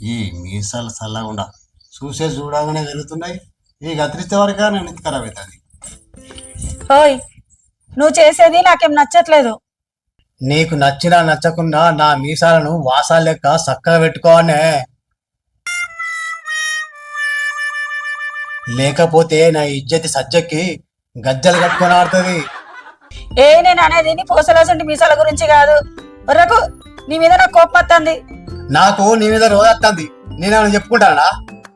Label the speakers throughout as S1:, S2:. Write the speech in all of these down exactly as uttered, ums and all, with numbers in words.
S1: ఈ మీసాలు చల్లకుండా చూసే చూడగానే వెలుగుతున్నాయి. ఈ గతిరిచ్చే వరకే నేను ఇంత ఖరాబ్ అవుతుంది.
S2: ఓయ్, నువ్వు చేసేది నాకేం నచ్చట్లేదు.
S1: నీకు నచ్చినా నచ్చకుండా నా మీసాలను వాసాలు లెక్క చక్కగా పెట్టుకోవనే, లేకపోతే నా ఇజ్జతి సజ్జకి గజ్జలు కట్టుకొని ఆడుతుంది.
S2: ఏ నేను అనేది నీ పోసలాసంటి మీసాల గురించి కాదు. ఒర్రకు, నీ మీద నాకు కోపం వస్తుంది.
S1: నాకు నీ మీద రోజు వస్తుంది. నేనేమైనా చెప్పుకుంటానా?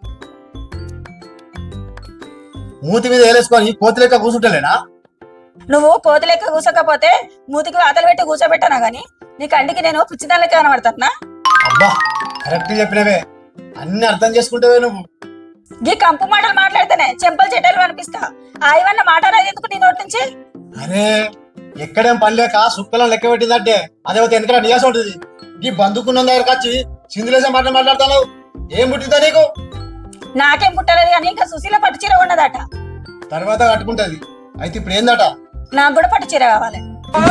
S1: మూతి మీద వేలేసుకొని కోతి లెక్క కూర్చుంటలేనా?
S2: నువ్వు కోతి లెక్క కూసకపోతే మూతికి వాతలు పెట్టి కూర్చోబెట్టానా గాని నీ కంటికి నేను పిచ్చిదానిలెక్క కనబడతానా?
S1: అబ్బా, కరెక్ట్ చెప్పినవే. అన్ని అర్థం చేసుకుంటావే నువ్వు.
S2: గీ కంపు మాటలు మాట్లాడితేనే చెంపలు చెడ్డలు అనిపిస్తా. ఆయవన్న మాట్లాడేది ఎందుకు నీ నోటి నుంచి?
S1: అరే, ఎక్కడేం పని లేక సుక్కలను లెక్క పెట్టిందంటే అదే ఎందుకంటే నియాసం ఉంటుంది. ఈ బందుకున్న దగ్గరకు వచ్చి సింధులేసే మాటలు మాట్లాడతావు. ఏం పుట్టిందా నీకు?
S2: నాకేం పుట్టలేదు కానీ ఇంకా సుశీల పట్టు చీర ఉన్నదట.
S1: తర్వాత కట్టుకుంటది. అయితే ఇప్పుడు ఏందట?
S2: నాకు కూడా పట్టు చీర కావాలి.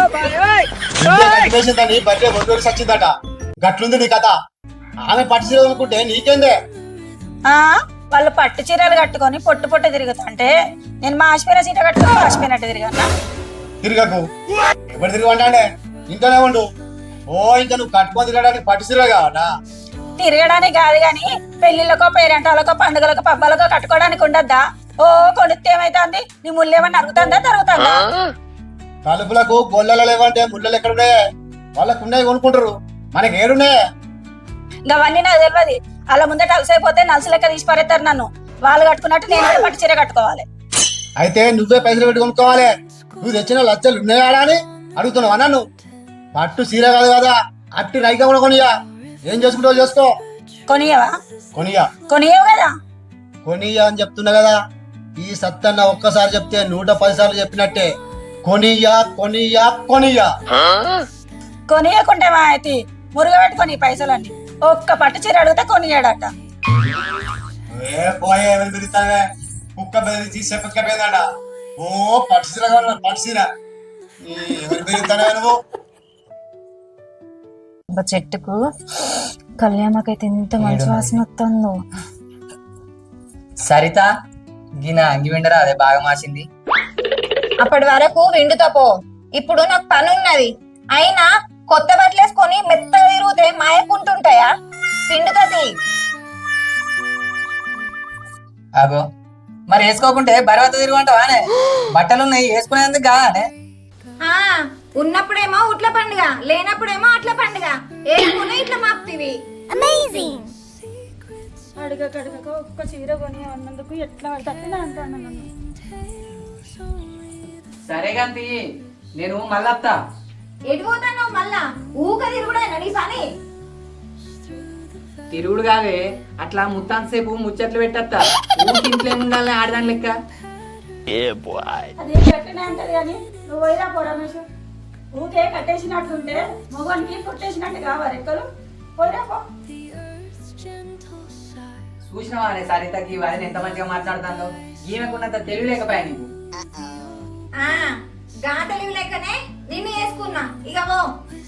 S1: బర్త్డే బొడ్డు సచ్చిందట. గట్లుంది నీ కథ. ఆమె పట్టు చీర అనుకుంటే నీకేందే?
S2: ఆ వాళ్ళు పట్టు చీరలు కట్టుకొని పొట్టు పొట్టు తిరుగుతుంటే నేను మా ఆశపోయిన చీర కట్టుకొని ఆశపోయినట్టు తిరిగన్నా.
S1: తిరగకు. ఎవరు తిరగంటాడే? ఇంట్లోనే ఉండు. ఓ, ఇంకా నువ్వు కట్టుకొని తిరగడానికి పట్టు చీర కావట?
S2: తిరగడానికి కాదు గాని పెళ్లిళ్ళకో పేరెంటాలకో పండుగలకో పబ్బాలకో కట్టుకోవడానికి ఉండద్దా? ఓ, కొనుక్తే ఏమైతుంది? నీ ముళ్ళేమన్నా అరుగుతుందా తరుగుతుందా?
S1: తలుపులకు గొల్లలు లేవంటే ముళ్ళలు ఎక్కడున్నాయే? వాళ్ళకు ఉన్నాయి కొనుక్కుంటారు, మనకి ఏడున్నాయే?
S2: అవన్నీ నాకు తెలియదు. అలా ముందట అలసైపోతే నలుసు లెక్క తీసి పారేస్తారు నన్ను. వాళ్ళు కట్టుకున్నట్టు నేను కూడా పట్టు చీర కట్టుకోవాలి.
S1: అయితే నువ్వే పైసలు పెట్టి కొనుక్కోవాలి. నువ్వు తెచ్చిన లచ్చలు ఉన్నాయా అని అడుగుతున్నావు అన్నా. నువ్వు పట్టు చీర కాదు కదా, అట్టి రైగా కూడా కొనియా. ఏం చేసుకుంటావు చేసుకో.
S2: కొనియవా?
S1: కొనియా.
S2: కొనియవు కదా?
S1: కొనియా అని చెప్తున్నా కదా. ఈ సత్తన్న ఒక్కసారి చెప్తే నూట పది సార్లు చెప్పినట్టే. కొనియా కొనియా కొనియా.
S2: కొనియకుంటే మా అయితే మురుగ పెట్టుకొని పైసలన్నీ ఒక్క పట్టు చీర అడిగితే కొనియాడట.
S1: ఏ పోయే, ఎవరు తిరుగుతావే? కుక్క బెదిరించి చెప్పకపోయిందట. ఓ, పట్టు చీర కావాలి, పట్టు చీర. ఎవరు తిరుగుతావే నువ్వు?
S2: చెట్టుకు కళ్యాణకైతే ఎంత మంచి వాసన వస్తుందో.
S3: సరిత, గిన అంగి విండరా, అదే బాగా మాసింది.
S4: అప్పటి వరకు విండుతో పో. ఇప్పుడు నాకు పని ఉన్నది. అయినా కొత్త బట్టలు వేసుకొని మెత్తగా తిరిగితే మాయకుంటుంటాయా? పిండుతది.
S3: అగో, మరి వేసుకోకుంటే బరవత తిరుగుంటావానే? బట్టలున్నాయి వేసుకునేందుకు కాదానే?
S4: ఆ ఉన్నప్పుడేమో ఉట్ల పండుగ, లేనప్పుడేమో అట్ల పండుగ. ఏమో ఇట్లా మాప్తివి. అమేజింగ్.
S2: అడగక అడగక ఒక్క చీర కొని అన్నందుకు ఎట్లా పడుతుంది అంటాను నన్ను.
S3: సరే గంతి, నేను మళ్ళత్తా.
S4: ఎడిపోతాను మళ్ళా? ఊక తిరుగుడేనా నీ పని?
S3: తిరుగుడు కాదే, అట్లా ముత్తాంత సేపు ముచ్చట్లు పెట్టత్తా. ఊరికి ఇంట్లో ఏముండాలని ఆడదాని లెక్క.
S2: అదే గట్టినే అంటది కానీ నువ్వు పోయిరా పో రమేష్. ఊకే కట్టేసినట్టుంటే మొగనికి పుట్టేసినట్టు కావాలి ఎక్కలు. పోయిరా పో.
S3: చూసినవా సరితకి వారిని ఎంత మంచిగా మాట్లాడుతుందో? ఈమెకున్నంత తెలివి లేకపోయా నీకు?
S4: ఆ గా తెలివి లేకనే నిన్ను వేసుకున్నా. ఇక పో.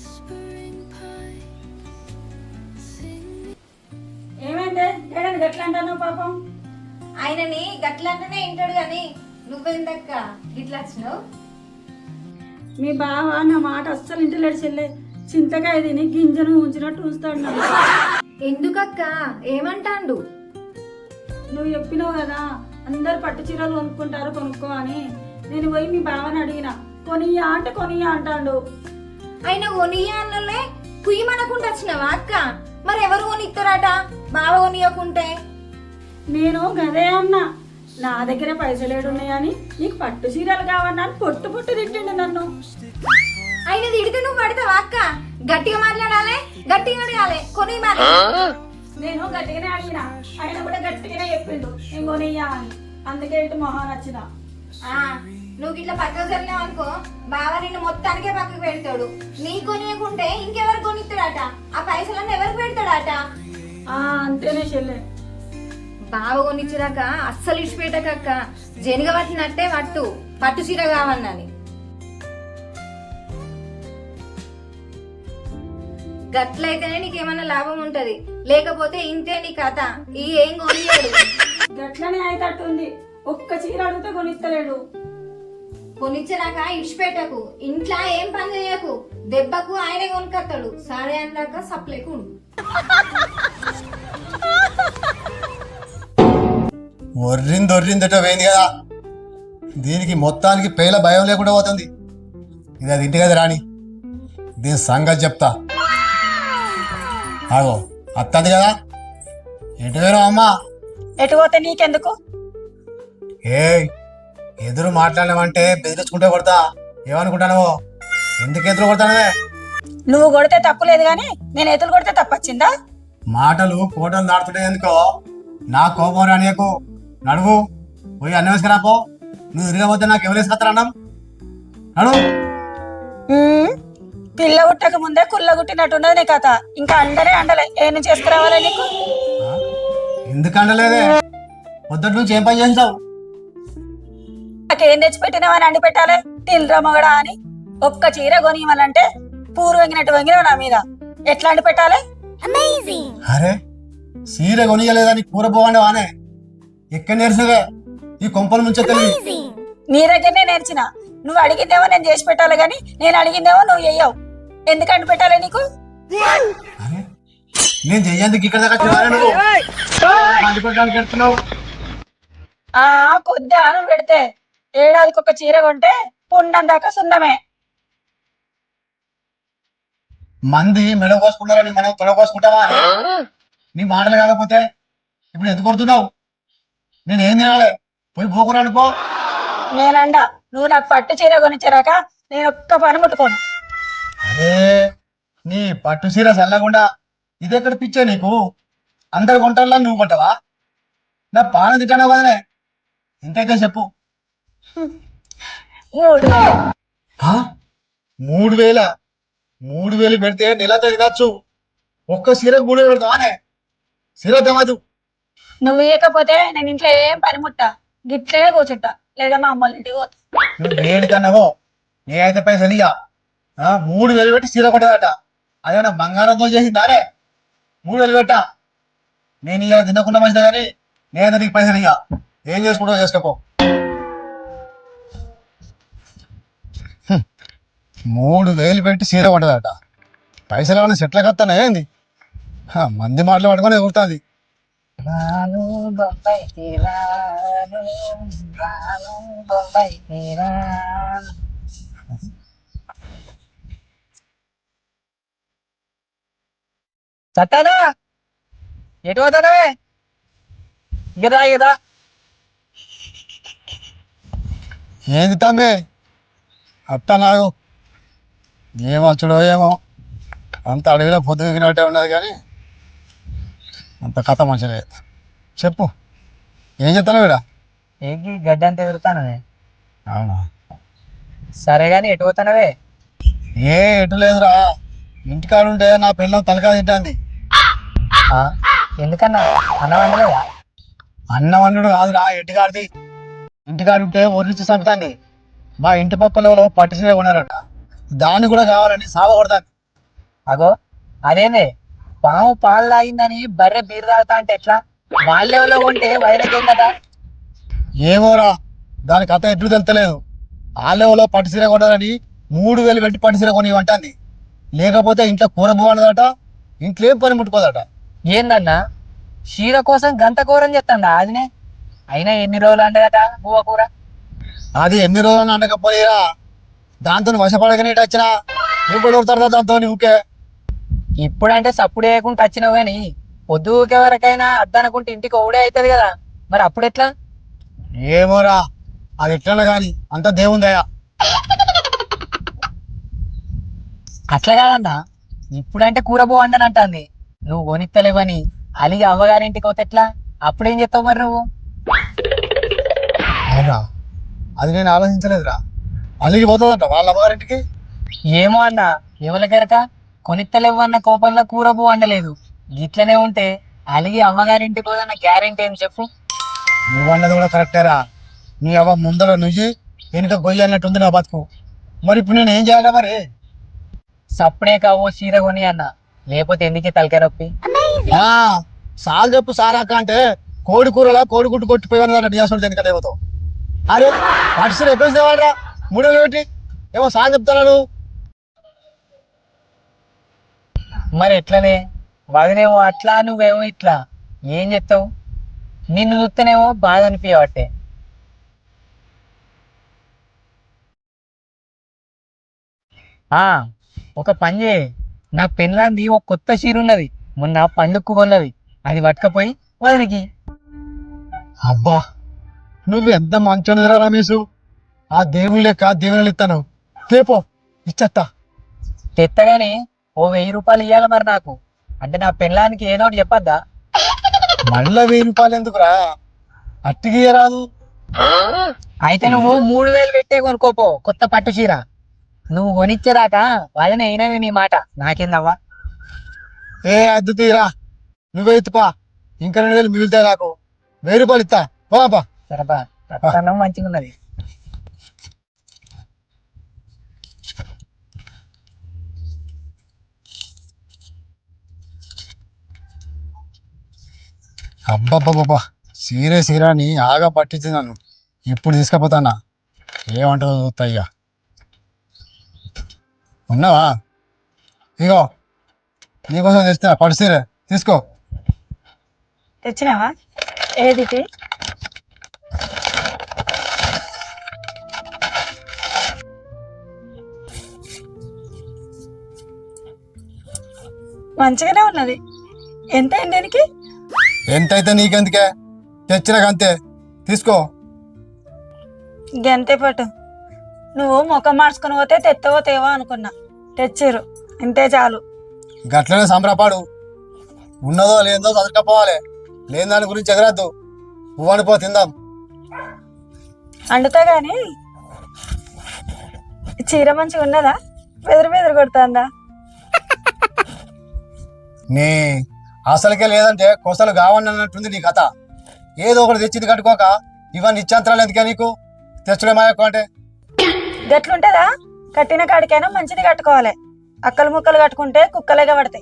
S2: ఏమైందే ఏడని గట్ల అంటాను పాపం?
S4: ఆయనని గట్లంటేనే వింటాడు గాని నువ్వెందక్క గిట్లా వచ్చినావు?
S2: మీ బావ నా మాట అస్సలు ఇంటలేడు చెల్లె. చింతకాయ తిని గింజను ఉంచినట్టు ఉంచుతాడు నన్ను.
S4: ఎందుకక్క ఏమంటాండు?
S2: నువ్వు చెప్పినావు కదా అందరు పట్టు చీరలు కొనుక్కుంటారు కొనుక్కో అని. నేను పోయి మీ బావని అడిగిన, కొనియా అంటే కొనియా అంటాడు.
S4: ఆయన కొనియా అన్నలే కుయ్యమనకుండా వచ్చినావా అక్క? మరి ఎవరు కొనిస్తారట బావ కొనియకుంటే?
S2: నేను గదే అన్నా, నా దగ్గర పైసలు ఏడున్నాయని నీకు పట్టు చీరలు కావన్నా అని పొట్టు పొట్టు తిట్టిండు నన్ను.
S4: ఆయన తిడితే నువ్వు పడతావా అక్క? గట్టిగా మాట్లాడాలి, గట్టిగా అడగాలి. కొని మరి
S2: నేను గట్టిగానే అడిగిన, ఆయన కూడా గట్టిగానే చెప్పిండు నేను కొనియ్యా అని. అందుకే ఇటు మొహాన్ వచ్చిన.
S4: నువ్వు ఇట్లా పక్కకు జరిగినావు అనుకో, బావ నిన్ను మొత్తానికే పక్కకు పెడతాడు. నీ కొనియకుంటే ఇంకెవరు కొనిస్తాడట? ఆ పైసలన్నీ ఎవరికి పెడతాడట?
S2: ఆ అంతేనే చెల్లె.
S4: బావ కొనిచ్చిరాక అస్సలు ఇచ్చిపెట్టకక్క. జనుగ పట్టినట్టే పట్టు, పట్టు చీర కావన్నని. గట్లయితేనే నీకేమన్నా లాభం ఉంటది, లేకపోతే ఇంతే నీ కథ. ఈ ఏం కొనియాడు.
S2: గట్లనే అయితట్టుంది. ఒక్క చీర అడిగితే కొనిస్తలేడు.
S4: కొనిచ్చినాక ఇడిచిపెట్టకు, ఇంట్లో ఏం పని చేయకు, దెబ్బకు ఆయనే కొనుక్కొస్తాడు. సరే అన్నాక సప్లైకు ఉండు.
S1: ఒర్రింది ఒర్రిందట పోయింది కదా, దీనికి మొత్తానికి పేల భయం లేకుండా పోతుంది. ఇది అది ఇంటి కదా రాని, దీని సంగతి చెప్తా. ఆగో అత్తది కదా, ఎటు వేరు అమ్మా?
S2: ఎటు పోతే నీకెందుకు?
S1: ఏ ఎదురు మాట్లాడమంటే బెదిరించుకుంటే కొడతా. ఏమనుకుంటాను? ఎందుకు ఎదురు కొడతానవే?
S2: నువ్వు కొడితే తప్పు లేదు గాని నేను ఎదురు కొడితే తప్పొచ్చిందా?
S1: మాటలు కోటలు దాడుతుంటే ఎందుకో నా కోపం రానియకు. నడువు పోయి అన్నం వేసుకురాపో. నువ్వు తిరగబోతే నాకు ఎవరు వేసుకొస్తారు అన్నం? నడువు.
S2: ఉమ్, పిల్ల గుట్టక ముందే కుల్ల గుట్టినట్టున్నది నీ కథ. ఇంకా అండలే అండలే ఏ నుంచి చేసుకురావాలి నీకు?
S1: ఆ? ఎందుకు అండలేదే? పొద్దుటి నుంచి ఏం పని చేసావు?
S2: నాకేం తెచ్చిపెట్టినావని అండి పెట్టాలి తినరా మగడా అని. ఒక్క చీర కొని ఇవ్వాలంటే పూరు వంగినట్టు వంగినావు నా మీద. ఎట్లా అండి పెట్టాలి?
S1: అరే సీర కొనియలేదని కూర పోవండి వానే ఎక్కడ నేర్చవే ఈ కొంపల ముంచే తెలివి.
S2: నీ దగ్గరనే నేర్చిన. నువ్వు అడిగిందేమో నేను చేసి పెట్టాలి గాని నేను అడిగిందేమో నువ్వు చెయ్యవు. ఎందుకు అండి పెట్టాలి నీకు?
S1: అరే నేను చెయ్యేందుకు ఇక్కడ దాకా వచ్చావా నువ్వు? అంటుకోవడానికి వెళ్తున్నావు?
S2: ఆ కొద్ది ఆనం పెడితే ఏడాదికి ఒక చీర కొంటే పుండం దాకా సున్నమే.
S1: మంది మెడ కోసుకుంటారని మనం తొడ కోసుకుంటావా? నీ మాటలు కాకపోతే ఇప్పుడు ఎందుకు కొడుతున్నావు? నేను ఏం తినాలి? పోయి పోకురా అనుకో.
S2: నేనండ నువ్వు నాకు పట్టు చీర కొనిచ్చారాక నేను ఒక్క పని ముట్టుకోను.
S1: అరే నీ పట్టు చీర చల్లకుండా ఇది ఎక్కడ పిచ్చా నీకు? అందరు కొంటారా, నువ్వు కొంటావా? నా పాన తిట్టానా వదనే? ఎంతైతే చెప్పు.
S2: మూడు వేలు.
S1: ఆ? మూడు వేల మూడు వేలు పెడితే నెలతో తినచ్చు. ఒక్క సీరకు మూడు వేలు పెడతావానే? సీర తెమదు.
S2: నువ్వు ఇవ్వకపోతే నేను ఇంట్లో ఏం పని ముట్టా, గిట్లే కూర్చుంటా, లేదా మా అమ్మ ఇంటికి పోతా.
S1: నువ్వు దేనికన్నావో నేనైతే పైసలు ఇయ్య. ఆ మూడు వేలు పెట్టి సీర కొట్టదట. అదేమన్నా బంగారంతో చేసిందారే? మూడు వేలు పెట్టా. నేను ఇవాళ తినకుండా మంచిదా కానీ నేనైతే నీకు పైసలు ఇయ్య. ఏం చేసుకుంటావు చేసుకోపో. హ్మ్. మూడు వేలు పెట్టి సీర కొట్టదట. పైసలు ఏమన్నా సెట్ల కత్తానా ఏంది? హ, మంది మాటలు పట్టుకొని ఎగురుతుంది.
S3: రాను బొంబాయికి రాను, రాను బొంబాయికి రాను. సత్తానా ఎటు పోతానవే? ఇగదా ఇగదా
S1: ఏంది తమ్మి అత్త నాకు ఏమో వచ్చడో ఏమో, అంత అడవిలో పొద్దుగినట్టే ఉన్నది కానీ అంత కథ మంచిగా లేదు. చెప్పు ఏం చెప్తాను వీడ?
S3: ఏంటి గడ్డి అంతా ఎగురుతానవే?
S1: అవునా?
S3: సరే గాని ఎటు పోతానవే?
S1: ఏ ఎటు లేదురా, ఇంటికాడ ఉంటే నా పిల్లలు తలకాయ తింటుంది.
S3: ఆ, ఎందుకన్నా అన్నం వండలేదా?
S1: అన్నం అన్నుడు కాదురా, ఇంటికాడిది. ఇంటికాడు ఉంటే ఒరించి చంపుతాంది. మా ఇంటి పక్కన పట్టిసే ఉన్నారట, దాన్ని కూడా కావాలని సావ కొడతాను.
S3: అగో అదేనే పాము పాలు తాగిందని బర్రె బీరు తాగుతా అంటే ఎట్లా? వాళ్ళెవలో ఉంటే వైరకేం కదా?
S1: ఏమోరా, దాని కథ ఎట్లు తెలుతలేదు. ఆ లెవెల్లో పట్టుసీర కొనాలని మూడు వేలు పెట్టి పట్టుసీర కొని అంటుంది. లేకపోతే ఇంట్లో కూర బాగుండదట, ఇంట్లో ఏం పని ముట్టుకోదట.
S3: ఏందన్నా చీర కోసం గంట కూరని చెప్తాండా అదినే? అయినా ఎన్ని రోజులు అంటదట బువ్వ కూర?
S1: అది ఎన్ని రోజులు అనకపోయిరా, దాంతో వశపడకనే వచ్చినా ఇప్పుడు కొడతారు దాంతో ఊకే.
S3: ఇప్పుడంటే సప్పుడు వేయకుండా వచ్చినావు కానీ పొద్దుకే వరకైనా అద్దనుకుంటే ఇంటికి ఒకడే అవుతుంది కదా, మరి అప్పుడు ఎట్లా?
S1: ఏమోరా, అది ఎట్లా కానీ అంత దేవుందయ్యా.
S3: అట్లా కాదన్నా, ఇప్పుడంటే కూర బాగుండని అంటుంది. నువ్వు కొనిత్తలేవని అలిగి అవ్వగారింటికి పోతే ఎట్లా? అప్పుడేం చెప్తావు మరి నువ్వు?
S1: అవునా, అది నేను ఆలోచించలేదురా. అలిగి పోతుందంట వాళ్ళ అమ్మగారింటికి.
S3: ఏమో అన్న, ఎవరికెరక కొనిత్తలేవు అన్న కోపంలో కూర బో వండలేదు. ఇట్లనే ఉంటే అలిగి అమ్మగారింటికి పోదన్న గ్యారెంటీ ఏం చెప్పు?
S1: నువ్వు అన్నది కూడా కరెక్టేరా. నీ అవ్వ ముందర నుంచి వెనుక గొయ్యి అన్నట్టుంది నా బతుకు. మరి ఇప్పుడు నేను ఏం చేయాలి మరి?
S3: సప్పుడే కావో చీర కొని అన్న, లేకపోతే ఎందుకే తలకాయ నొప్పి?
S1: ఆ, సాల్ చెప్పు సారాక అంటే కోడి కూరలా కోడి గుడ్డు కొట్టిపోయాను అన్నట్టు చేస్తాడు దేనికంటే దేవతో. అరే పట్టు ఎక్కడ తేవాడరా మూడు వేలు పెట్టి ఏమో సాల్ చెప్తాను.
S3: మరి ఎట్లనే వదినేమో అట్లా నువ్వేమో ఇట్లా ఏం చెప్తావు? నిన్ను చూస్తేనేమో బాధ అనిపించబట్టే. ఆ ఒక పని చేయి, నా పెళ్ళాంది ఒక కొత్త చీర ఉన్నది, మొన్న పండుగకు కొన్నది, అది పట్టుకపోయి వదినికి.
S1: అబ్బా నువ్వు ఎంత మంచోనిరా రమేష్. ఆ దేవుని లెక్క దేవుని ఇస్తాను రేపో ఇచ్చత్తా.
S3: తెత్తగానే ఓ వెయ్యి రూపాయలు ఇవ్వాలి మరి నాకు, అంటే నా పెళ్ళానికి ఏదో ఒకటి చెప్పద్దా?
S1: మళ్ళా వెయ్యి రూపాయలు ఎందుకురా, అట్టికి రాదు.
S3: అయితే నువ్వు మూడు వేలు పెట్టే కొనుక్కోపో కొత్త పట్టు చీర. నువ్వు కొనిచ్చేదాకా వాళ్ళని అయినవి నీ మాట, నాకేందవ్వా.
S1: ఏ అద్దు తీరా నువ్వే ఇత్తుపా, ఇంకా రెండు వేలు మిగులుతాయి నాకు. వెయ్యి రూపాయలు ఇస్తా బాబా.
S3: సరబా రత్నం మంచిగా ఉన్నది.
S1: అబ్బబ్బబ్బబ్బా సీరే సీరాని ఆగా పట్టించింది నన్ను. ఇప్పుడు తీసుకపోతానా ఏమంటుందో చూస్తా. ఇక ఉన్నావా? ఇగో నీకోసం తెస్తా పట్టు సీరే, తీసుకో.
S2: తెచ్చినావా? ఏది ఇది? మంచిగానే ఉన్నది. ఎంత అయింది దీనికి?
S1: ఎంతైతే నీకెందుకే, తెచ్చినాక అంతే, తీసుకో.
S2: గంతే పట్టు. నువ్వు ముఖం మార్చుకుని పోతే తెత్తవో తేవో అనుకున్నా, తెచ్చిర్రు ఇంతే చాలు.
S1: గట్లనే సంబరపాడు. ఉన్నదో లేదో చదువుకపోవాలి, లేని దాని గురించి ఎగరద్దు. పువ్వని పో తిందాం.
S2: అండుతా గాని చీర మంచిగా ఉన్నదా? బెదిరి బెదిరి కొడుతుందా?
S1: నీ అసలుకే లేదంటే కొసలు కావని అన్నట్టుంది నీ కథ. ఏదో ఒకటి తెచ్చింది కట్టుకోక ఇవన్నీ ఇచ్చాంతరాలు ఎందుకే నీకు? తెచ్చుడే మాయకు అంటే
S2: గట్లుంటదా? కట్టిన కాడికైనా మంచిది కట్టుకోవాలి. అక్కలు ముక్కలు కట్టుకుంటే కుక్కలేగా పడతాయి.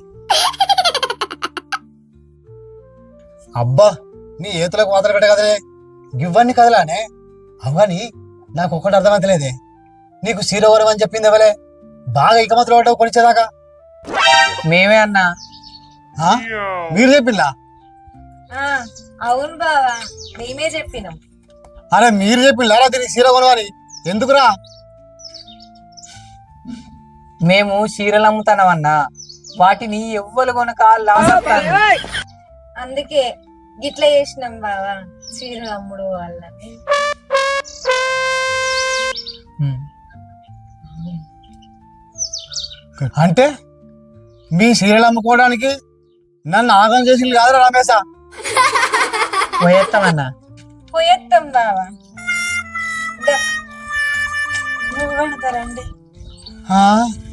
S1: అబ్బా నీ ఏతులకు వాతలు పెట్టే కదలే, ఇవన్నీ కదలానే. అవని నాకు ఒక్కటి అర్థమైతలేదే, నీకు సీరవరం అని చెప్పింది ఎవలే? బాగా ఇకమతులు పడ్డావు కొనిచ్చేదాకా.
S3: మేమే అన్నా.
S1: ఆ? మీరు చెప్పిందా?
S4: అవును బావా, మేమే చెప్పినాం.
S1: అరే మీరు చెప్పిందా దీనికి సీర కొనవని? ఎందుకురా?
S3: మేము చీరలు అమ్ముతానమన్నా, వాటిని ఎవ్వరు కొనక లాభం.
S4: అందుకే గిట్లా చేసినాం బావా, చీరలు అమ్ముడు వాళ్ళని.
S1: అంటే మీ సీరియల్ అమ్ముకోవడానికి నన్ను ఆగం చేసింది కాదురా రమేశ?
S3: పోయేస్తామన్నా.
S4: పోయేత్తాం బావా.
S2: నువ్వు వండుతారండి.
S1: ఆ